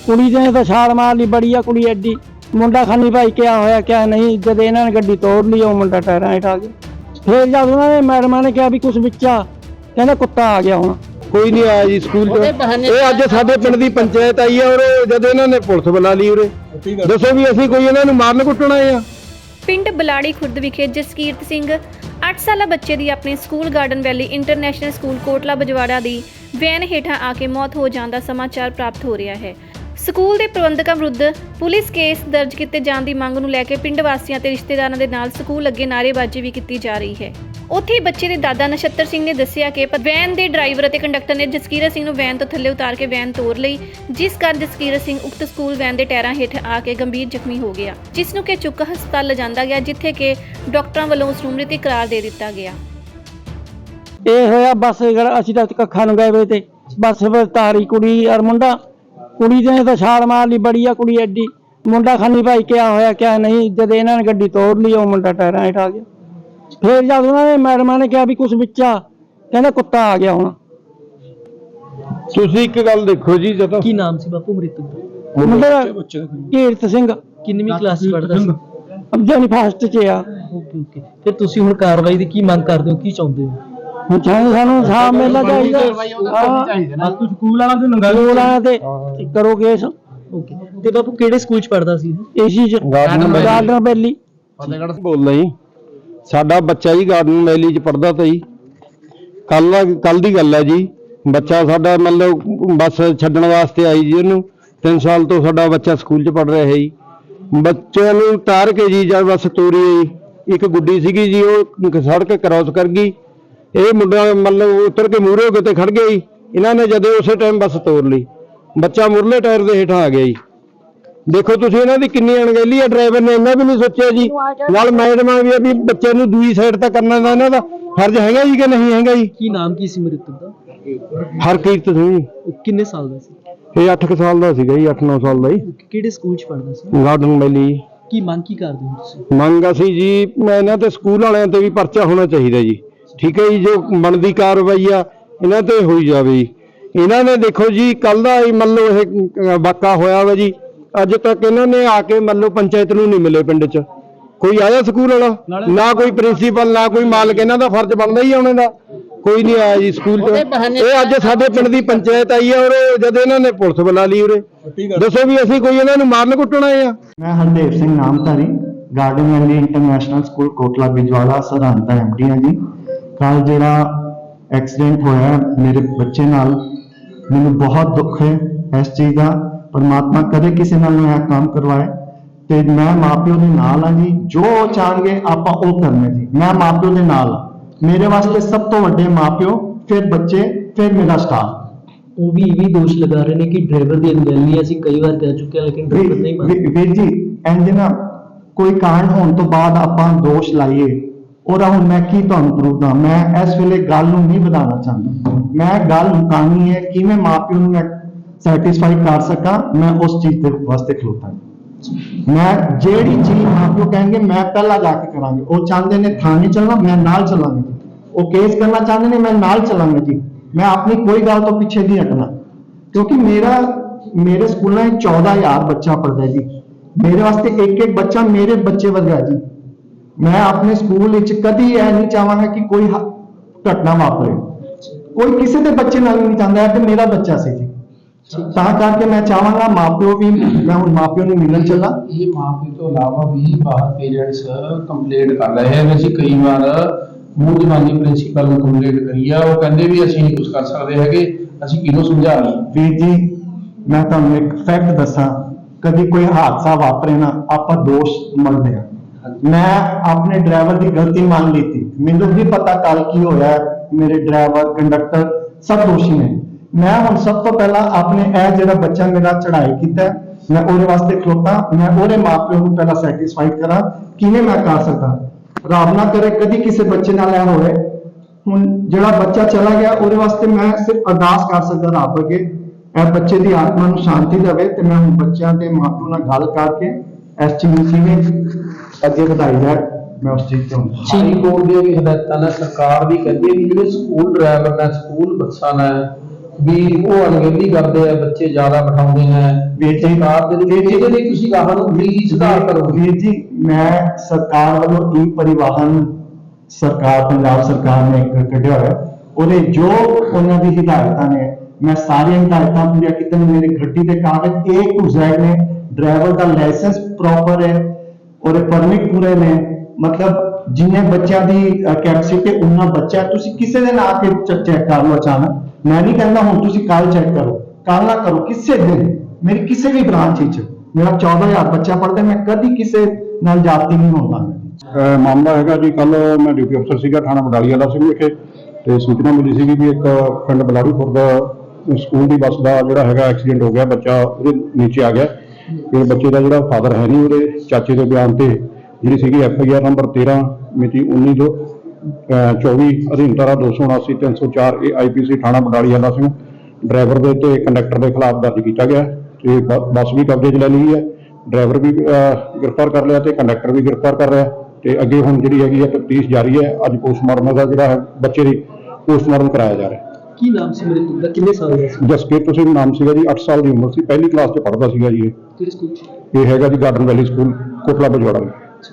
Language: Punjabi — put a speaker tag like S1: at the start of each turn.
S1: कुड़ी ने तो छाल मार ली, बड़ी कुड़ी एडी। मुंडा खानी भाई क्या होया क्या नहीं, जब इन्होंने गड्डी तोड़ ली वो मुंडा टायरां हेठ आ गया। फिर जब उन्होंने मैडम ने कहा भी कुछ बिचा, कहना कुत्ता आ गया हुण।
S2: कोई नहीं आया जी स्कूल तो। अज साडे पिंड दी पंचायत आई है और जब इन्होंने पुलिस बुला ली उरे, दसो भी असीं कोई इन्हां नूं मारन कुੱਟਣ आए आ।
S3: ਪਿੰਡ ਬਲਾੜੀ ਖੁਰਦ ਵਿਖੇ ਜਸਕੀਰਤ ਸਿੰਘ 8 ਸਾਲਾ ਬੱਚੇ ਦੀ ਆਪਣੇ school garden valley international school Kotla Bajwara ਦੀ ਵੈਨ ਹੇਠਾਂ ਆ ਕੇ ਮੌਤ ਹੋ ਜਾਣ ਦਾ ਸਮਾਚਾਰ ਪ੍ਰਾਪਤ ਹੋ ਰਿਹਾ ਹੈ। ਸਕੂਲ ਦੇ ਪ੍ਰਬੰਧਕਾਂ ਵਿਰੁੱਧ ਪੁਲਿਸ ਕੇਸ ਦਰਜ ਕੀਤੇ ਜਾਣ ਦੀ ਮੰਗ ਨੂੰ ਲੈ ਕੇ ਪਿੰਡ ਵਾਸੀਆਂ ਤੇ ਰਿਸ਼ਤੇਦਾਰਾਂ ਦੇ ਨਾਲ ਸਕੂਲ ਅੱਗੇ ਨਾਅਰੇਬਾਜ਼ੀ ਵੀ ਕੀਤੀ ਜਾ ਰਹੀ ਹੈ। ਉੱਥੇ ਬੱਚੇ ਦੇ ਦਾਦਾ ਨਛੱਤਰ ਸਿੰਘ ਨੇ ਦੱਸਿਆ ਕਿ ਵੈਨ ਦੇ ਡਰਾਈਵਰ ਅਤੇ ਕੰਡਕਟਰ ਨੇ ਜਸਕੀਰਤ ਸਿੰਘ ਨੂੰ ਵੈਨ ਤੋਂ ਥੱਲੇ ਉਤਾਰ ਕੇ ਵੈਨ ਤੋੜ ਲਈ, ਜਿਸ ਕਾਰਨ ਜਸਕੀਰਤ ਸਿੰਘ ਉਕਤ ਸਕੂਲ ਵੈਨ ਦੇ ਟਾਇਰਾਂ ਹੇਠ ਆ ਕੇ ਗੰਭੀਰ ਜ਼ਖਮੀ ਹੋ ਗਿਆ, ਜਿਸ ਨੂੰ ਕਿ ਚੁੱਕ ਹਸਪਤਾਲ ਲਿਜਾਂਦਾ ਗਿਆ, ਜਿੱਥੇ ਕਿ ਡਾਕਟਰਾਂ ਵੱਲੋਂ ਉਸ ਨੂੰ ਮ੍ਰਿਤਕ ਕਰਾਰ ਦੇ ਦਿੱਤਾ ਗਿਆ।
S1: ਇਹ ਹੋਇਆ ਬਸ ਅਸੀਂ ਤਾਂ ਕੱਖਾਂ ਨੂੰ ਗਏ ਵੇ ਤੇ ਬਸ ਤਾਰੀ ਕੁੜੀ ਔਰ ਮੁੰਡਾ, कुड़ी ने तो छाल मार ली, बड़ी कुड़ी एडी। मुंडा खानी भाई क्या होया क्या नहीं, जब इन्होंने गड्डी तोड़ ली वो मुंडा टायरां हेठ आ गया। फिर जब उन्होंने मैडम ने कहा भी कुछ बिचा, कहना कुत्ता आ गया हुण।
S2: ਤੁਸੀਂ ਇੱਕ ਗੱਲ ਦੇਖੋ ਜੀ, ਜਦੋਂ
S4: ਕੀ ਨਾਮ ਸੀ ਬਾਪੂ ਮ੍ਰਿਤਕ ਦਾ?
S1: ਮੁੰਡਾ ਕੀਰਤ ਸਿੰਘ
S4: ਕਿੰਨਵੀਂ ਕਲਾਸ ਚ ਪੜ੍ਹਦਾ ਸੀ?
S1: ਅਬਜਨੀ ਫਸਟ ਚ ਆ।
S4: Okay okay. ਫਿਰ ਤੁਸੀਂ ਹੁਣ ਕਾਰਵਾਈ ਦੀ ਕੀ ਮੰਗ ਕਰਦੇ ਹੋ, ਕੀ ਚਾਹੁੰਦੇ ਹੋ?
S1: ਹੁਣ ਸਾਨੂੰ ਇਨਸਾਫ ਮਿਲਣਾ ਚਾਹੀਦਾ।
S2: ਸਕੂਲ ਵਾਲਾ ਤੇ
S1: ਸਕੂਲ ਵਾਲਿਆਂ ਤੇ ਕਰੋ ਕੇਸ।
S4: ਓਕੇ। ਤੇ ਬਾਪੂ ਕਿਹੜੇ ਸਕੂਲ ਚ ਪੜ੍ਹਦਾ ਸੀ?
S1: ਏਸੀ ਚ ਗਾਰਡਨ ਵੈਲੀ।
S2: ਬੋਲਦਾ ਜੀ, ਸਾਡਾ ਬੱਚਾ ਜੀ ਗਾਰਡਨ ਵੈਲੀ ਚ ਪੜਦਾ ਤਾ ਜੀ। ਕੱਲ ਦੀ ਗੱਲ ਹੈ ਜੀ। ਬੱਚਾ ਸਾਡਾ ਮਤਲਬ ਬੱਸ ਛੱਡਣ ਵਾਸਤੇ ਆਈ ਜੀ, ਉਹਨੂੰ 3 ਸਾਲ ਤੋਂ ਸਾਡਾ ਬੱਚਾ ਸਕੂਲ ਚ ਪੜ ਰਿਹਾ ਹੈ ਜੀ। ਬੱਚੇ ਨੂੰ ਉਤਾਰ ਕੇ ਜੀ ਜਦ ਬੱਸ ਤੋਰੀ, ਇੱਕ ਗੁੱਡੀ ਸੀਗੀ ਜੀ, ਉਹ ਸੜਕ ਕ੍ਰਾਸ ਕਰ ਗਈ। ਇਹ ਮੁੰਡਾ ਮਤਲਬ ਉਤਰ ਕੇ ਮੂਹਰੇ ਹੋ ਕੇ ਤੇ ਖੜ ਗਿਆ ਜੀ। ਇਹਨਾਂ ਨੇ ਜਦੋਂ ਉਸੇ ਟਾਈਮ ਬੱਸ ਤੋੜ ਲਈ, ਬੱਚਾ ਮੁਰਲੇ ਟਾਇਰ ਦੇ ਹੇਠਾਂ ਆ ਗਿਆ ਜੀ। ਦੇਖੋ ਤੁਸੀਂ ਇਹਨਾਂ ਦੀ ਕਿੰਨੀ ਅਣਗਹਿਲੀ ਹੈ। ਡਰਾਈਵਰ ਨੇ ਇਹਨਾਂ ਵੀ ਨਹੀਂ ਸੋਚਿਆ ਜੀ, ਨਾਲ ਮੈਡਮਾਂ ਵੀ ਬੱਚੇ ਨੂੰ ਦੂਜੀ ਸਾਈਡ ਤੇ ਕਰਨਾ ਦਾ ਇਹਨਾਂ ਦਾ ਫਰਜ਼ ਹੈਗਾ ਜੀ ਕਿ ਨਹੀਂ ਹੈਗਾ ਜੀ।
S4: ਕੀ ਨਾਮ ਕੀ ਸੀ ਮ੍ਰਿਤਕ ਦਾ?
S2: ਹਰਕੀਰਤ ਸਿੰਘ ਜੀ।
S4: ਕਿੰਨੇ ਸਾਲ ਦਾ ਸੀ?
S2: ਇਹ 8 ਸਾਲ ਦਾ ਸੀਗਾ ਜੀ, 8-9 ਸਾਲ ਦਾ ਜੀ।
S4: ਕਿਹੜੇ ਸਕੂਲ ਚ ਪੜ੍ਹਦਾ ਸੀ?
S2: ਗਾਰਡਨ ਵੈਲੀ।
S4: ਕੀ ਮੰਗ ਕੀ ਕਰਦੇ ਹੋ ਤੁਸੀਂ?
S2: ਮੰਗ ਅਸੀਂ ਜੀ ਇਹਨਾਂ ਤੇ ਸਕੂਲ ਵਾਲਿਆਂ ਤੇ ਵੀ ਪਰਚਾ ਹੋਣਾ ਚਾਹੀਦਾ ਜੀ। ਠੀਕ ਹੈ ਜੀ, ਜੋ ਬਣਦੀ ਕਾਰਵਾਈ ਆ ਇਹਨਾਂ ਤੇ ਹੋਈ ਜਾਵੇ ਜੀ। ਇਹਨਾਂ ਨੇ ਦੇਖੋ ਜੀ ਕੱਲ ਦਾ ਮੰਨ ਲਓ ਇਹ ਵਾਕਾ ਹੋਇਆ ਵਾ ਜੀ, ਅੱਜ ਤੱਕ ਇਹਨਾਂ ਨੇ ਆ ਕੇ ਮੰਨ ਲਓ ਪੰਚਾਇਤ ਨੂੰ ਨਹੀਂ ਮਿਲੇ। ਪਿੰਡ 'ਚ ਕੋਈ ਆਇਆ ਸਕੂਲ ਵਾਲਾ? ਨਾ ਕੋਈ ਪ੍ਰਿੰਸੀਪਲ, ਨਾ ਕੋਈ ਮਾਲਕ। ਇਹਨਾਂ ਦਾ ਫਰਜ਼ ਬਣਦਾ ਹੀ ਆਉਣੇ ਦਾ, ਕੋਈ ਨਹੀਂ ਆਇਆ ਜੀ ਸਕੂਲ 'ਚ। ਇਹ ਅੱਜ ਸਾਡੇ ਪਿੰਡ ਦੀ ਪੰਚਾਇਤ ਆਈ ਹੈ ਔਰ ਜਦ ਇਹਨਾਂ ਨੇ ਪੁਲਿਸ ਬੁਲਾ ਲਈ ਉਰੇ, ਦੱਸੋ ਵੀ ਅਸੀਂ ਕੋਈ ਇਹਨਾਂ ਨੂੰ ਮਾਰਨ ਕੁੱਟਣ ਆਏ ਆ?
S5: मैं Hardev Singh Namdhari, garden valley international school Kotla Bijwara Sirhind का MD हाँ जी। कल जिहड़ा एक्सीडेंट होया मेरे बच्चे नाल, मैनूं बहुत दुख है इस चीज़ का। परमात्मा कदे किसी नाल ना काम करवाए ते मैं माँ प्यो दे नाल हाँ जी। जो चाहणगे आपां ओह करना जी। मैं माँ प्यो दे नाल हाँ। मेरे वास्ते सब तो वड्डे माँ प्यो, फिर बच्चे, फिर मेरा स्टाफ।
S4: ਉਹ ਵੀ ਇਹ ਵੀ ਦੋਸ਼ ਲਗਾ ਰਹੇ ਨੇ ਕਿ ਡਰਾਈਵਰ ਦੀ ਅਣਗਹਿਲੀ ਅਸੀਂ ਕਈ ਵਾਰ ਕਹਿ ਚੁੱਕੇ ਹਾਂ, ਲੇਕਿਨ ਡਰਾਈਵਰ ਨਹੀਂ ਮੰਨਦਾ।
S5: ਵੀਰ ਜੀ ਇੰਜ ਨਾ ਕੋਈ ਕਾਂਡ ਹੋਣ ਤੋਂ ਬਾਅਦ ਆਪਾਂ ਦੋਸ਼ ਲਾਈਏ, ਉਹਦਾ ਹੁਣ ਮੈਂ ਕੀ ਤੁਹਾਨੂੰ ਪ੍ਰੂਫ ਦਾਂ? ਮੈਂ ਇਸ ਵੇਲੇ ਗੱਲ ਨੂੰ ਨਹੀਂ ਵਧਾਉਣਾ ਚਾਹੁੰਦਾ। ਮੈਂ ਗੱਲ ਮੁਕਾਉਣੀ ਹੈ ਕਿਵੇਂ ਮਾਪਿਓ ਨੂੰ ਮੈਂ ਸੈਟੀਸਫਾਈ ਕਰ ਸਕਾਂ। ਮੈਂ ਉਸ ਚੀਜ਼ ਦੇ ਵਾਸਤੇ ਖਲੋਤਾ। ਮੈਂ ਜਿਹੜੀ ਚੀਜ਼ ਮਾਪਿਓ ਕਹਿਣਗੇ ਮੈਂ ਪਹਿਲਾਂ ਜਾ ਕੇ ਕਰਾਂਗੇ। ਉਹ ਚਾਹੁੰਦੇ ਨੇ ਥਾਣੇ ਚੱਲਣਾ, ਮੈਂ ਨਾਲ ਚੱਲਾਂਗਾ। ਉਹ ਕੇਸ ਕਰਨਾ ਚਾਹੁੰਦੇ ਨੇ, ਮੈਂ ਨਾਲ ਚੱਲਾਂਗਾ ਜੀ। मैं अपनी कोई गल तो पीछे नहीं हटना, क्योंकि मेरे स्कूल में 14,000 बच्चा पढ़ता है जी। मेरे वास्ते एक बच्चा मेरे बच्चे वर्गा जी। मैं अपने स्कूल कभी यह नहीं चाहांगा कि कोई घटना वापरे। कोई किसी के बच्चे नाल नहीं चाहता है कि मेरा बच्चा से जी। ਤਾਂ ਕਰਕੇ मैं चाहांगा माँ प्यो भी, मैं ਹੁਣ माँ प्यो ਨੂੰ ਮਿਲਣ ਚੱਲਾਂ।
S6: ਇਹ ਮਾਂ ਪਿਓ ਤੋਂ ਇਲਾਵਾ ਵੀ ਬਾਹਰ ਪੇਰੈਂਟਸ ਕੰਪਲੇਂਟ ਕਰ ਰਹੇ ਹਨ। ਅਸੀਂ ਕਈ ਵਾਰ ਮੂੰਹ ਜ਼ਬਾਨੀ ਪ੍ਰਿੰਸੀਪਲ ਨੂੰ ਕੰਪਲੇਂਟ ਕਰੀ ਆ, ਉਹ ਕਹਿੰਦੇ ਵੀ ਅਸੀਂ ਨਹੀਂ ਕੁਝ ਕਰ ਸਕਦੇ ਹੈਗੇ, ਅਸੀਂ ਕਿਹਨੂੰ ਸਮਝਾ ਲਈਏ?
S5: ਵੀਰ ਜੀ ਮੈਂ ਤੁਹਾਨੂੰ ਇੱਕ ਫੈਕਟ ਦੱਸਾਂ, ਕਦੀ ਕੋਈ ਹਾਦਸਾ ਵਾਪਰੇ ਨਾ ਆਪਾਂ ਦੋਸ਼ ਮੰਨਦੇ ਆ। ਮੈਂ ਆਪਣੇ ਡਰਾਈਵਰ ਦੀ ਗਲਤੀ ਮੰਨ ਲਈ ਸੀ। ਮੈਨੂੰ ਵੀ ਪਤਾ ਕੱਲ ਕੀ ਹੋਇਆ, ਮੇਰੇ ਡਰਾਈਵਰ ਕੰਡਕਟਰ ਸਭ ਦੋਸ਼ੀ ਨੇ। ਮੈਂ ਹੁਣ ਸਭ ਤੋਂ ਪਹਿਲਾਂ ਆਪਣੇ ਇਹ ਜਿਹੜਾ ਬੱਚਾ ਮੇਰਾ ਚੜਾਈ ਕੀਤਾ, ਮੈਂ ਉਹਦੇ ਵਾਸਤੇ ਖਲੋਤਾ। ਮੈਂ ਉਹਦੇ ਮਾਪਿਆਂ ਨੂੰ ਪਹਿਲਾਂ ਸੈਟੀਸਫਾਈ ਕਰਾਂ, ਕਿਵੇਂ ਮੈਂ ਕਰ ਸਕਦਾ। ਰੱਬ ਨਾ ਕਰੇ ਕਦੀ ਕਿਸੇ ਬੱਚੇ ਨਾਲ ਇਹ ਹੋਵੇ। ਹੁਣ ਜਿਹੜਾ ਬੱਚਾ ਚਲਾ ਗਿਆ ਉਹਦੇ ਵਾਸਤੇ ਮੈਂ ਸਿਰਫ ਅਰਦਾਸ ਕਰ ਸਕਦਾ ਰੱਬ ਅੱਗੇ, ਇਹ ਬੱਚੇ ਦੀ ਆਤਮਾ ਨੂੰ ਸ਼ਾਂਤੀ ਦੇਵੇ। ਤੇ ਮੈਂ ਹੁਣ ਬੱਚਿਆਂ ਦੇ ਮਾਪਿਆਂ ਨਾਲ ਗੱਲ ਕਰਕੇ ਇਸ ਚੀਜ਼ ਨੂੰ ਕਿਵੇਂ ਅੱਗੇ ਵਧਾਈ ਜਾਏ, ਮੈਂ ਉਸ ਚੀਜ਼ ਤੋਂ
S6: ਹਾਈ ਕੋਰਟ ਦੀਆਂ ਵੀ ਹਦਾਇਤਾਂ ਨੇ, ਸਰਕਾਰ ਵੀ ਕਹਿੰਦੀ ਹੈ ਕਿ ਜਿਹੜੇ ਸਕੂਲ ਡਰਾਈਵਰ ਨੇ, ਸਕੂਲ ਬੱਸਾਂ ਨੇ, ਵੀ ਉਹ ਅਣਗਹਿਲੀ ਕਰਦੇ ਆ, ਬੱਚੇ ਜ਼ਿਆਦਾ ਬਿਠਾਉਂਦੇ ਨੇ
S5: ਵੀਰ ਜੀ,
S6: ਸਰਕਾਰ ਦੇ ਲਈ ਇਹਦੇ ਲਈ ਤੁਸੀਂ ਗਾਹਾਂ ਨੂੰ ਵੀ ਸੁਧਾਰ ਕਰੋ।
S5: ਵੀਰ ਜੀ, ਮੈਂ ਸਰਕਾਰ ਵੱਲੋਂ ਈ ਪਰਿਵਾਹਨ ਸਰਕਾਰ ਪੰਜਾਬ ਸਰਕਾਰ ਨੇ ਇੱਕ ਕੱਢਿਆ ਹੋਇਆ, ਉਹਦੇ ਜੋ ਉਹਨਾਂ ਦੀ ਹਿਦਾਇਤਾਂ ਨੇ ਮੈਂ ਸਾਰੀਆਂ ਹਿਦਾਇਤਾਂ ਪੂਰੀਆਂ ਕੀਤੀਆਂ ਨੇ। ਮੇਰੀ ਗੱਡੀ ਦੇ ਕਾਗਜ਼ A to Z ਨੇ, ਡਰਾਈਵਰ ਦਾ ਲਾਇਸੈਂਸ ਪ੍ਰੋਪਰ ਹੈ, ਉਹਦੇ ਪਰਮਿਟ ਪੂਰੇ ਨੇ। ਮਤਲਬ ਜਿੰਨੇ ਬੱਚਿਆਂ ਦੀ ਕੈਪੈਸਿਟੀ ਉਹਨਾਂ ਬੱਚਾ, ਤੁਸੀਂ ਕਿਸੇ ਦਿਨ ਆ ਕੇ ਚੈੱਕ ਕਰ ਲਓ ਅਚਾਨਕ। ਮੈਂ ਨਹੀਂ ਕਹਿੰਦਾ ਹੁਣ ਤੁਸੀਂ ਕੱਲ ਚੈੱਕ ਕਰੋ, ਕੱਲ ਨਾ ਕਰੋ, ਕਿਸੇ ਦਿਨ ਮੇਰੀ ਕਿਸੇ ਵੀ ਬ੍ਰਾਂਚ ਵਿੱਚ ਮੇਰਾ 14,000 ਬੱਚਾ ਪੜ੍ਹਦਾ, ਮੈਂ ਕਦੀ ਕਿਸੇ ਨਾਲ ਜਾਤੀ ਨਹੀਂ ਹੁੰਦਾ।
S2: ਮਾਮਲਾ ਹੈਗਾ ਜੀ, ਕੱਲ ਮੈਂ ਡਿਊਟੀ ਅਫਸਰ ਸੀਗਾ ਥਾਣਾ ਬਡਾਲੀ ਵਾਲਾ ਸਿੰਘ ਵਿਖੇ, ਤੇ ਸੂਚਨਾ ਮਿਲੀ ਸੀਗੀ ਵੀ ਇੱਕ ਪਿੰਡ ਬਲਾੜੀਪੁਰ ਦਾ ਸਕੂਲ ਦੀ ਬੱਸ ਦਾ ਜਿਹੜਾ ਹੈਗਾ ਐਕਸੀਡੈਂਟ ਹੋ ਗਿਆ, ਬੱਚਾ ਉਹਦੇ ਨੀਚੇ ਆ ਗਿਆ। ਤੇ ਬੱਚੇ ਦਾ ਜਿਹੜਾ ਫਾਦਰ ਹੈ ਨਹੀਂ, ਉਹਦੇ ਚਾਚੇ ਦੇ ਬਿਆਨ ਤੇ ਜਿਹੜੀ ਸੀਗੀ FIR ਨੰਬਰ 13 ਮਿਤੀ 19/24 ਅਧੀਨ ਧਾਰਾ 279 304 AIPC ਥਾਣਾ ਬਡਾਲੀ ਵਾਲਾ ਸਿੰਘ ਡਰਾਈਵਰ ਦੇ ਤੇ ਕੰਡਕਟਰ ਦੇ ਖਿਲਾਫ ਦਰਜ ਕੀਤਾ ਗਿਆ। ਤੇ ਬੱਸ ਵੀ ਕਬਜ਼ੇ 'ਚ ਲੈ ਲਈ ਹੈ, ਡਰਾਈਵਰ ਵੀ ਗ੍ਰਿਫਤਾਰ ਕਰ ਲਿਆ ਤੇ ਕੰਡਕਟਰ ਵੀ ਗ੍ਰਿਫਤਾਰ ਕਰ ਰਿਹਾ। ਤੇ ਅੱਗੇ ਹੁਣ ਜਿਹੜੀ ਹੈਗੀ ਹੈ ਤਫਤੀਸ਼ ਜਾਰੀ ਹੈ। ਅੱਜ ਪੋਸਟਮਾਰਟਮ ਦਾ ਜਿਹੜਾ ਹੈ ਬੱਚੇ ਦੀ ਪੋਸਟਮਾਰਟਮ ਕਰਾਇਆ ਜਾ ਰਿਹਾ।
S4: ਕੀ ਨਾਮ ਸੀ ਮ੍ਰਿਤਕ ਦਾ, ਕਿੰਨੇ ਸਾਲ ਦਾ ਸੀ?
S2: ਜਸਕੀਰਤ ਸਿੰਘ ਨਾਮ ਸੀਗਾ ਜੀ, 8 ਸਾਲ ਦੀ ਉਮਰ ਸੀ, ਪਹਿਲੀ ਕਲਾਸ 'ਚ ਪੜ੍ਹਦਾ ਸੀਗਾ ਜੀ।
S4: ਕਿਹੜੇ ਸਕੂਲ 'ਚ?
S2: ਇਹ ਹੈਗਾ ਜੀ garden valley school Kotla Bajwara.